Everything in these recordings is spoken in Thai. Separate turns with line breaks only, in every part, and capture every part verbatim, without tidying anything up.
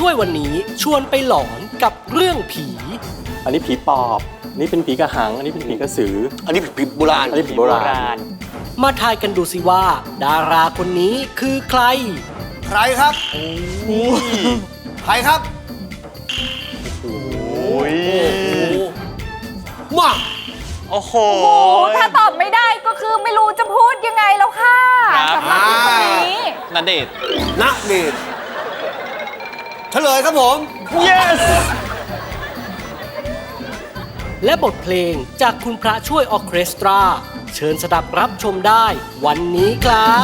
ช่วยวันนี้ชวนไปหลอนกับเรื่องผี
อันนี้ผีปอบอันนี้เป็นผีกระหังอันนี้เป็นผีกระสือ
อันนี้ผีโบราณ
อันนี้ผีโบราณ
มาทายกันดูสิว่า ดาราคนนี้คือใคร
ใครครับใครครับ
โอ้ย
มา
โอ้โห
โอ้ถ้าตอบไม่ได้ก็คือไม่รู้จะพูดยังไงแล้วค่ะสำหรับคนนี้
ณเดชน์
ณเดชน์เฉลยครับผม
yes
และบทเพลงจากคุณพระช่วยออร์เคสตรา เชิญสดับรับชมได้วันนี้ครับ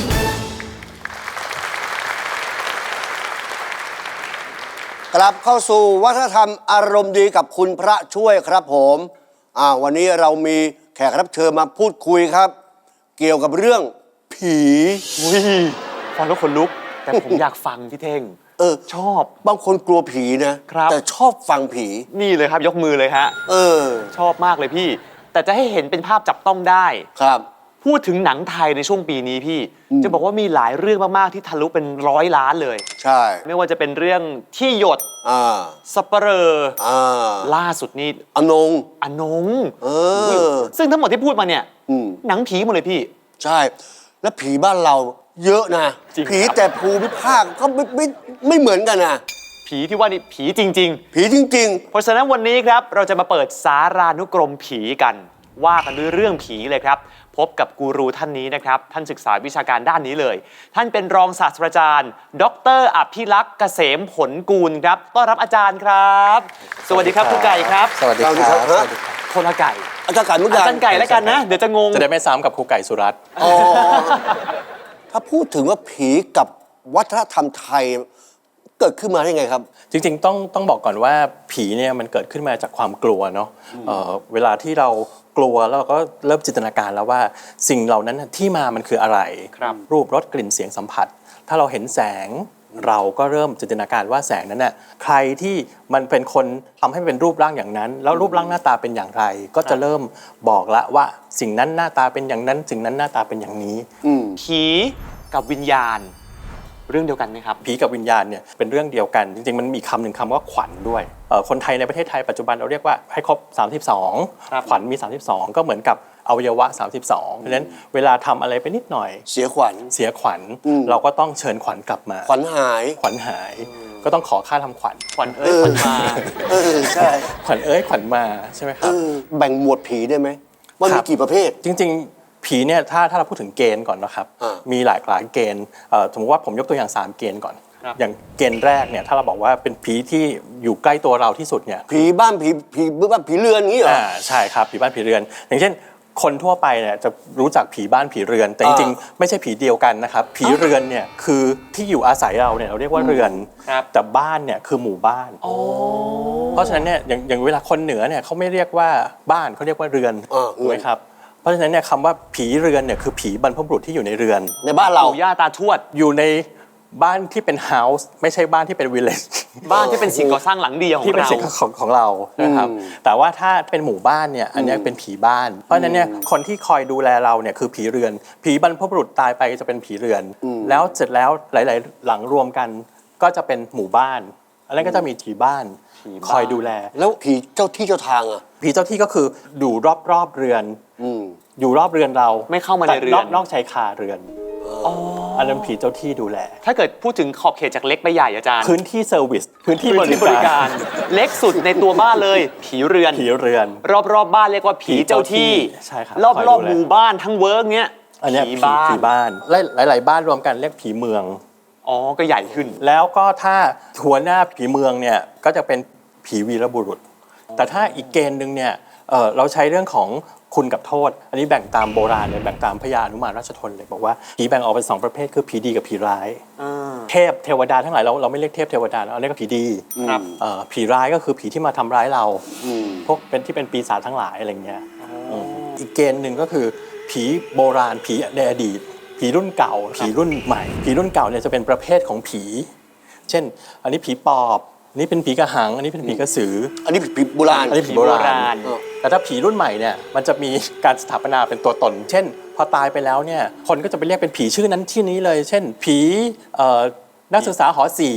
กลับเข้าสู่วัฒนธรรมอารมณ์ดีกับคุณพระช่วยครับผมอ่าวันนี้เรามีแขกรับเชิญมาพูดคุยครับ เกี่ยวกับเรื่องผี
อุ้ยฟังแล้วขนลุก แต่ผมอยากฟังพี่เท่ง
เออ
ชอบบ
างคนกลัวผีนะครับ แต่ชอบฟังผี
นี่เลยครับยกมือเลยฮะ
เออ
ชอบมากเลยพี่ แต่จะให้เห็นเป็นภาพจับต้องได้
ครับ
พูดถึงหนังไทยในช่วงปีนี้พี่
อืม
จะบอกว่ามีหลายเรื่องมากๆที่ทะลุเป็นร้อยล้านเลย
ใช่
ไม่ว่าจะเป็นเรื่องที่หยด
อ่า
สัปเหร่อ
อ่า
ล่าสุดนี่
อนง
อนง
เออ
ซึ่งทั้งหมดที่พูดมาเนี่ย
อืม
หนังผีหมดเลยพี่
ใช่ แล้วผีบ้านเราเยอะนะ
จริงครับ
ผีแต่ภูมิภาคก็ไม่ไม่ไม่เหมือนกันนะ
ผีที่ว่านี่ผีจริง
ผีจริง
ๆ เพราะฉะนั้นวันนี้ครับเราจะมาเปิดสารานุกรมผีกัน ว่ากันด้วยเรื่องผีเลยครับ พบกับกูรูท่านนี้นะครับ ท่านศึกษาวิชาการด้านนี้เลย ท่านเป็นรองศาสตราจารย์ ดรอภิลักษ์เกษมผลกูลครับต้อนรับอาจารย์ครับ สวัสดีครับครูไก่ครับ
สวัสดีครับ
สวัสดีครับ
สวัสดีครับ
คนละไก่
ๆ อาจารย์ไก่เหมือน
อา
กัน
จารย์ไก่แล้วกันนะ เดี๋ยวจะงง
จะได้ไม่ซ้ำกับครูไก่สุรัตน์
อ๋อถ้าพูดถึงว่าผีกับวัฒนธรรมไทย เกิดขึ้นมาได้ไงครับ
จริงๆต้องต้องบอกก่อนว่าผีเนี่ยมันเกิดขึ้นมาจากความกลัวเนาะเอ่อเวลาที่เรากลัวแล้วเราก็เริ่มจินตนาการแล้วว่าสิ่งเหล่านั้นน่ะที่มามันคืออะไร
ครับ
รูปรสกลิ่นเสียงสัมผัส ถ้าเราเห็นแสงเราก็เริ่มจินตนาการว่าแสงนั้นน่ะใครที่มันเป็นคนทำให้มันเป็นรูปร่างอย่างนั้น แล้วรูปร่างหน้าตาเป็นอย่างไร ก็จะเริ่มบอกละว่าสิ่งนั้นหน้าตาเป็นอย่างนั้น สิ่งนั้นหน้าตาเป็นอย่างนี้
อืม
ผีกับวิญญาณ เรื่องเดียวกันไหมครับ
ผีกับวิญญาณเนี่ยเป็นเรื่องเดียวกัน จริงๆมันมีคำหนึ่งคำว่าขวัญด้วยเอ่อคนไทยในประเทศไทยปัจจุบันเราเรียกว่าให้ครบสามสิบสอง
ครับ
ขวัญมีสามสิบสองก็เหมือนกับอวัยวะสามสิบสองเพราะฉะนั้นเวลาทำอะไรไปนิดหน่อย
เสียขวัญ
เสียขวัญ
อืม
เราก็ต้องเชิญขวัญกลับมา
ขวัญหาย
ขวัญหายก็ต้องขอค่าทำขวัญ
ขวัญเอ้ยขวัญมา
เออ ใช่
ขวัญเอ้ยขวัญมาใช่ไหมค
เอ
รับ
อ แบ่งหมวดผีได้ไหมว่า
ครั
มี
บ
กี่ประเภท
จริงๆผีเนี่ยถ้าถ้าเราพูดถึงเกณฑ์ก่อนนะครับ
อ่ามี
มีหลายหลายเกณฑ์เอ่อสมมติว่าผมยกตัวอย่างสามเกณฑ์ก่อน
ครับ
อย่างเกณฑ์แรกเนี่ยถ้าเราบอกว่าเป็นผีที่อยู่ใกล้ตัวเราที่สุดเนี่ย
ผีบ้านผีผีบ้านผีเรือนงี้เหรอ
อ่าใช่ครับผีบ้านผีเรือน อย่างเช่นคนทั่วไปเนี่ยจะรู้จักผีบ้านผีเรือน แต่จริง
อ่า
ๆไม่ใช่ผีเดียวกันนะครับผีเรือนเนี่ยคือที่อยู่อาศัยเราเนี่ยเราเรียกว่าเรือน
ครับ
แต่บ้านเนี่ยคือหมู่บ้าน เพราะฉะนั้นเนี่ยอย่างอย่างเวลาคนเหนือเนี่ยเขาไม่เรียกว่าบ้านเขาเรียกว่าเรือน
อ่า
ถูกไหมครับเพราะฉะนั้นเนี่ยคำว่าผีเรือนเนี่ยคือผีบรรพบุรุษที่อยู่ในเรือน
ในบ้านเรา
ปู่ย่าตาทวด
อยู่ในบ้านที่เป็นเฮาส์ไม่ใช่บ้านที่เป็นวิลเลจ
บ้านที่เป็นสิ่งก่อสร้างหลังเดียวขอ
ที่
ง
เป็น
เรา
สิ่งของของเรานะครับ
อืม
แต่ว่าถ้าเป็นหมู่บ้านเนี่ยอันเนี้ยเป็นผีบ้าน เพราะฉะนั้นเนี่ยคนที่คอยดูแลเราเนี่ยคือผีเรือน ผีบรรพบุรุษตายไปจะเป็นผีเรือน แล้วเสร็จแล้วหลาย ๆ หลังรวมกันก็จะเป็นหมู่บ้าน อันนั้นก็จะมีผีบ้านคอยดูแล
แล้วผีเจ้าที่เจ้าทางอ่ะ
ผีเจ้าที่ก็คืออยู่รอบ ๆ เรือน
อืม
อยู่รอบเรือนเรา
ไม่เข้ามาในเรือน
แต่นอกชายคาเรือนอันนั้นผีเจ้าที่ดูแล
ถ้าเกิดพูดถึงขอบเขตจากเล็กไปใหญ่อาจารย์
พื้นที่เซอร์วิสพื้นที่
พื้นที่บบ ริ
ริ
กา
การ ร
เล็กสุดในตัวบ้านเลย ผีเรือน
ผีเรือน
รอบๆบบ้านเรียกว่าผีเจ้าที่
ใช่ครับ
รอบ
คอย
ร
ดู
อบ
แล
หมู่บ้านทั้งเวิร์กเนี้ย
อันเนี้ย
ผี
ผี
บ้าน
ผีบ้านหลายหลายๆบ้านรวมกันเรียกผีเมือง
อ๋อก็ใหญ่ขึ้น
แล้วก็ถ้าหัวหน้าผีเมืองเนี่ยก็จะเป็นผีวีรบุรุษ แต่ถ้าอีกเกณฑ์หนึ่งเนี่ยเอ่อเราใช้เรื่องของคุณกับโทษ อันนี้แบ่งตามโบราณเลยแบ่งตามพญาอนุมานราชทนเลยบอกว่าผีแบ่งออกเป็นสองประเภทคือผีดีกับผีร้าย เทพเทวดาทั้งหลายเราเราไม่เรียกเทพเทวดาเราเรียกว่าผีดี
ครับ
เอ่อผีร้ายก็คือผีที่มาทำร้ายเรา
อืม
พวกเป็นที่เป็นปีศาจทั้งหลายอะไรเงี้ยมอีกเกณฑ์หนึ่งก็คือผีโบราณผีในอดีต ผีรุ่นเก่า ผีรุ่นใหม่ ผีรุ่นเก่าเนี่ยจะเป็นประเภทของผี เช่น อันนี้ผีปอบอันนี้เป็นผีกระหัง อันนี้เป็นผีกระสือ
อันนี้ผีโบราณ
อันนี้ผีโบ
ผีโบ
รา
รา
ณ
ณ
แต่ถ้าผีรุ่นใหม่เนี่ยมันจะมีการสถาปนาเป็นตัวตน เช่น พอตายไปแล้วเนี่ยคนก็จะไปเรียกเป็นผีชื่อนั้นชื่อนี้เลย เช่น ผีเอ่อนักศึกษาหอสี่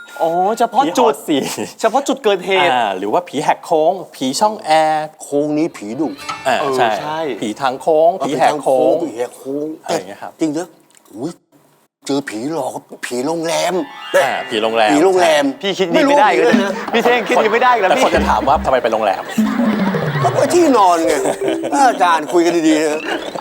อ๋อเฉพาะ
ผี
จุ
หอ
ด
สี่
เฉพาะจุดเกิดเหตุ
อ่าหรือว่าผีแหกโค้ง ผีช่องแอร์
โค้งนี้ผีดุ
อ่า
เออ
ใช่
ใช่
ผีทางโค้ง ผีแหกโค้ง
ผีแหกโค้ง
อะไรอย่างเงี้ยครับ
จริงเด้ออุ้ยเจอผีหลอกผีโรงแรม
อ่าผีโรงแรม
ผีโรงแรม
พี่คิดดีไม่ได้เลยนะพี่เท่งคิดดีไม่ได้แล้ว
แต่
พี่
คนจะถามว่าทำไมไปโรงแรม
ก็ไปที่นอนไง อาจารย์คุยกันดีๆนะ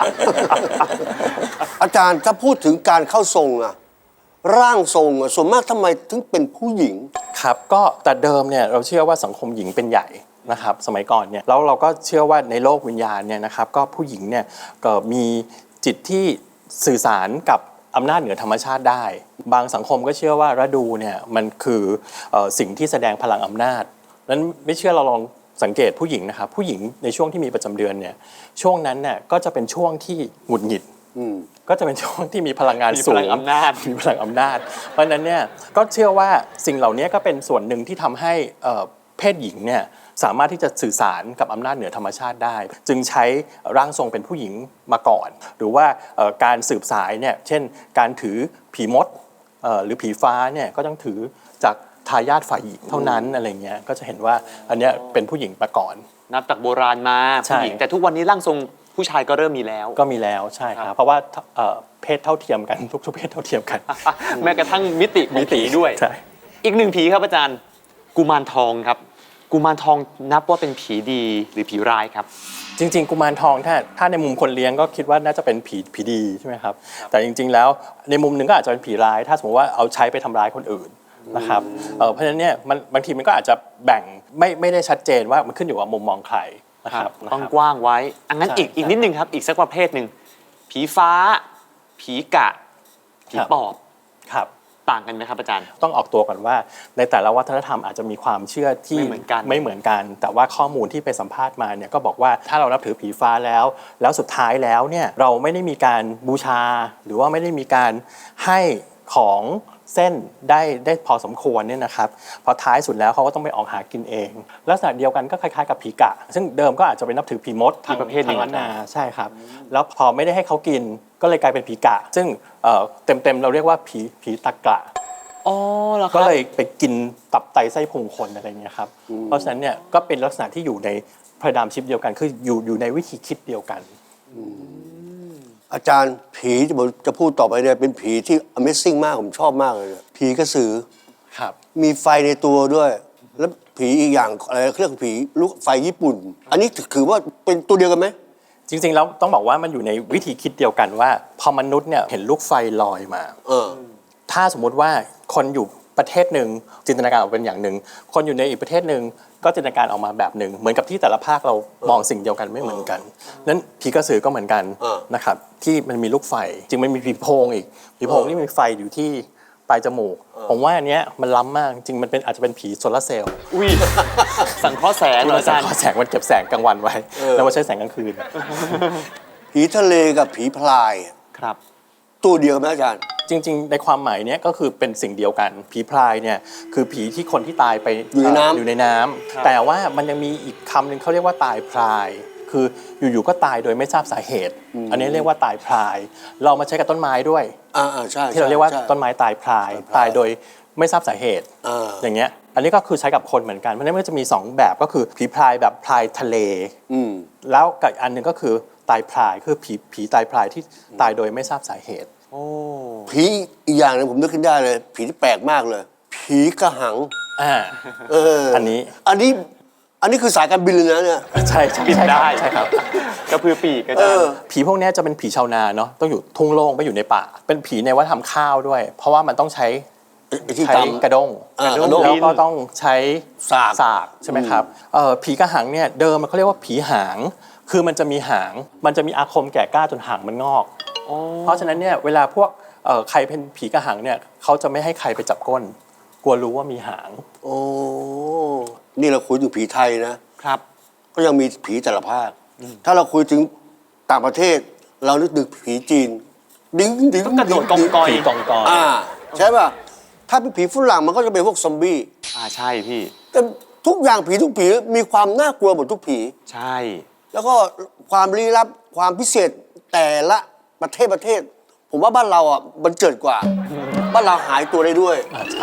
อาจารย์ถ้าพูดถึงการเข้าทรงอะร่างทรงอะส่วนมากทำไมถึงเป็นผู้หญิง
ครับก็แต่เดิมเนี่ยเราเชื่อว่าสังคมหญิงเป็นใหญ่นะครับสมัยก่อนเนี่ยแล้วเราก็เชื่อว่าในโลกวิญญาณเนี่ยนะครับก็ผู้หญิงเนี่ยก็มีจิตที่สื่อสารกับอำนาจเหนือธรรมชาติได้ บางสังคมก็เชื่อว่าฤดูเนี่ยมันคือเอ่อสิ่งที่แสดงพลังอำนาจนั้นไม่เชื่อเราลองสังเกตผู้หญิงนะครับผู้หญิงในช่วงที่มีประจำเดือนเนี่ยช่วงนั้นเนี่ยก็จะเป็นช่วงที่หงุดหงิด
อืม
ก็จะเป็นช่วงที่มีพลังงาน
มี
สู
พ
ง
ลังอำนาจ
มีพลังอำนาจ เพราะฉะนั้นเนี่ยก็เชื่อว่าสิ่งเหล่านี้ก็เป็นส่วนหนึ่งที่ทำให้เอ่อเพศหญิงเนี่ยสามารถที่จะสื่อสารกับอำนาจเหนือธรรมชาติได้ จึงใช้ร่างทรงเป็นผู้หญิงมาก่อน หรือว่าเอ่อการสืบสายเนี่ยเช่นการถือผีมดเอ่อหรือผีฟ้าเนี่ยก็ต้องถือจากทายาทฝ่ายหญิงเท่านั้นอะไรเงี้ยก็จะเห็นว่าอันเนี้ยเป็นผู้หญิงมาก่อน
นับจากโบราณมา
ใช่
ผู้หญิงแต่ทุกวันนี้ร่างทรงผู้ชายก็เริ่มมีแล้ว
ก็มีแล้วใช่ครับเพราะว่าเอ่อเพศเท่าเทียมกันทุกๆเพศเท่าเทียมกัน
แม้กระทั่งมิติของผีด้วย
ใช่
อีกหนึ่งผีครับอาจารย์กุมารทองครับกุมารทองนับว่าเป็นผีดีหรือผีร้ายครับ
จริงๆกุมารทองถ้าถ้าในมุมคนเลี้ยงก็คิดว่าน่าจะเป็นผีผีดีใช่ไหมครับแต่จริงๆแล้วในมุมหนึ่งก็อาจจะเป็นผีร้าย ถ้าสมมติว่าเอาใช้ไปทำร้ายคนอื่นนะครับเอ่อเพราะฉะนั้นเนี่ยมันบางทีมันก็อาจจะแบ่งไม่ไม่ได้ชัดเจนว่ามันขึ้นอยู่กับมุมมองใครนะครับ
ต้อง
นะครับ
กว้างไว้อันนั้น
ใช่
อีกอีก
ใช่
นิดนึงครับอีกสักประเภทหนึ่งผีฟ้า ผีกะ ผี
ครับ
ปอบ
ครับ
ต่างกันไหมครับอาจารย์
ต้องออกตัวก่อนว่าในแต่ละวัฒนธรรมอาจจะมีความเชื่อที่
ไม่เหมือนกัน
ไม่เหมือนกัน แต่ว่าข้อมูลที่ไปสัมภาษณ์มาเนี่ยก็บอกว่าถ้าเรานับถือผีฟ้าแล้ว แล้วสุดท้ายแล้วเนี่ยเราไม่ได้มีการบูชา หรือว่าไม่ได้มีการให้ของเส้นได้ได้พอสมควรเนี่ยนะครับพอท้ายสุดแล้วเขาก็ต้องไปออกหากินเองลักษณะเดียวกันก็คล้ายๆกับผีกะ ซึ่งเดิมก็อาจจะไปนับถือผีมดทาง
อีกประเภทหนึ่ง
ทางล้านนาใช่ครับแล้วพอไม่ได้ให้เขากินก็เลยกลายเป็นผีกะ ซึ่งเอ่อเต็มๆเราเรียกว่าผีผีตะกะ
อ๋อเหรอค
ก็
รับ
เลยไปกินตับไตไส้พุงคนอะไรเงี้ยครับ เพราะฉะนั้นเนี่ยก็เป็นลักษณะที่อยู่ในพระดามชิปเดียวกัน คืออยู่อยู่ในวิธีคิดเดียวกัน
อาจารย์ผีที่ผมจะพูดต่อไปเนี่ยเป็นผีที่ Amazing มากผมชอบมากเลยเนี่ยผีกระสือ
ครับ
มีไฟในตัวด้วย แล้วผีอีกอย่างอะไรเครื่องผีลูกไฟญี่ปุ่น อันนี้ถือว่าเป็นตัวเดียวกันไหม
จริงๆแล้วต้องบอกว่ามันอยู่ในวิธีคิดเดียวกันว่า พอมนุษย์เนี่ยเห็นลูกไฟลอยมา
เออ
ถ้าสมมุติว่าคนอยู่ประเทศหนึ่งจินตนาการออกเป็นอย่างหนึ่งคนอยู่ในอีกประเทศหนึ่งก็จินตนาการออกมาแบบหนึ่งเหมือนกับที่แต่ละภาคเรามองสิ่งเดียวกันไม่เหมือนกันนั้นผีกระสือก็เหมือนกัน
เออ
นะครับที่มันมีลูกไฟจริงมันมีผีโพงอีกผีโพงที่มีไฟอยู่ที่ปลายจมูกผมว่าอันเนี้ยมันล้ำมากจริงมันเป็นอาจจะเป็นผีโซลาร์เซลล์
อุ้ยสังเคราะห์แสงเหรออาจารย์
แสงมันเก็บแสงกลางวันไว้ แล้วมาใช้แสงกลางคืน
ผีทะเลกับผีพลาย
ครับ
ตัวเดียวกันไหมอาจารย์
จริงๆ ในความหมายเนี้ยก็คือเป็นสิ่งเดียวกัน ผีพรายเนี่ยคือผีที่คนที่ตายไป
อยู่ในน้ำ
อยู่ในน้ำแต่ว่ามันยังมีอีกคำหนึ่งเขาเรียกว่าตายพราย คืออยู่ๆก็ตายโดยไม่ทราบสาเหตุ อันนี้เรียกว่าตายพราย เรามาใช้กับต้นไม้ด้วย
อ่าอ่าใช่
ที่เราเรียกว่า
ใช่
ต้นไม้ตายพราย
ตายพราย
ตายโดยไม่ทราบสาเหตุ
อ่า
อย่างเงี้ยอันนี้ก็คือใช้กับคนเหมือนกันเพราะฉะนั้นมันก็จะมีสองแบบก็คือผีพรายแบบพรายทะเล
อืม
แล้วกับอีกอันหนึ่งก็คือตายพรายคือผีผีตายพรายที่ตายโดยไม่ทราบสาเหตุ
โอ้
ผีอีกอย่างหนึงผมนึกขึ้นได้เลย ผีที่แปลกมากเลย ผีกระหัง
อ่า
เออ
อั
อั
นนี้
อันนี้ อันนี้คือสายการบินเลยนะเนี่ย
ใช่ใช่
บิน
ใช่ครับ
ได้
ใช่ครับ
กระพือปีกอา
เอ
จาร
อ
ย์
ผีพวกเนี้ยจะเป็นผีชาวนาเนาะต้องอยู่ทุ่งโล่งไม่อยู่ในป่า เป็นผีในวัฒนธรรมข้าวด้วย เพราะว่ามันต้องใช้
ไอ้ที่
ใช้
ตำ
กระด้ง
อ่ากระด้ง
แล้วก็ต้องใช้
สาก
สากใช่ไหมครับเอ่อผีกระหังเนี่ยเดิมมันเขาเรียกว่าผีหาง คือมันจะมีหาง มันจะมีอาคมแก่กล้าจนหางมันงอก เพราะฉะนั้นเนี่ยเวลาพวกเอ่อใครเป็นผีกระหังเนี่ยเขาจะไม่ให้ใครไปจับก้น กลัวรู้ว่ามีหาง
โอ้ นี่เราคุยถึงผีไทยนะ
ครับ
ก็ยังมีผีแต่ละภาค ถ้าเราคุยถึงต่างประเทศ เรานึกถึงผีจีน ดิ้งดิ้ง
ก็กระโดดกองกอย
ผีกองกอย
อ่า ใช่ป่ะ ถ้าเป็นผีฝรั่งมันก็จะเป็นพวกซอมบี้
อ่าใช่พี่
แต่ทุกอย่างผีทุกผีมีความน่ากลัวหมดทุกผี
ใช่
แล้วก็ความลี้ลับความพิเศษแต่ละประเทศประเทศ ผมว่าบ้านเราอ่ะมันเจิดกว่า บ้านเราหายตัวได้ด้วย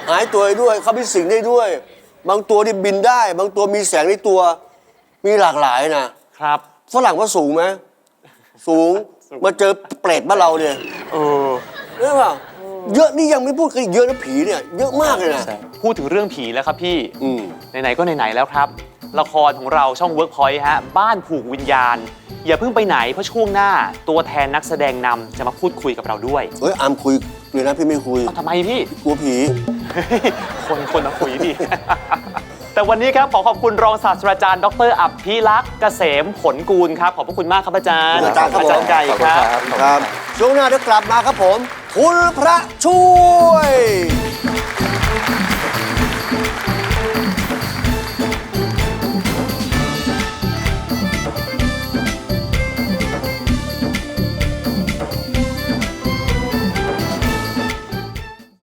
หายตัวได้ด้วยเขามีสิ่งได้ด้วย บางตัวที่บินได้ บางตัวมีแสงในตัวมีหลากหลายนะครับ ฝรั่งว่าสูงไหมสูงมาเจอเปรตบ้านเราเนี่ย
เออ
เรื่องว่าเยอะนี่ยังไม่พูดกันอีกเยอะนะผีเนี่ยเยอะมากเลยนะ
พูดถึงเรื่องผีแล้วครับพี่
อืม
ไหนๆก็ไหนๆแล้วครับ ละครของเราช่อง Workpoint ฮะบ้านผูกวิญญาณ อย่าเพิ่งไปไหนเพราะช่วงหน้าตัวแทนนักแสดงนำจะมาพูดคุยกับเราด้วย
เฮ้ยอามคุยเลยนะพี่ไม่คุย
เอาทำไมพี่
กลัวผี
คนคนมาคุยดิ แต่วันนี้ครับขอขอบคุณรองศาสตราจารย์ดรอัพพิลักษ์เกษมผลกูลครับ ขอบพระคุณมากครับอาจารย์
อาจารย์ครับผม
อาจารย์ไก่
ขอบ
ค
คุณ
รับ
ครับ
ครับช่วงหน้าเดี๋ยวกลับมาครับผม คุณพระช่วย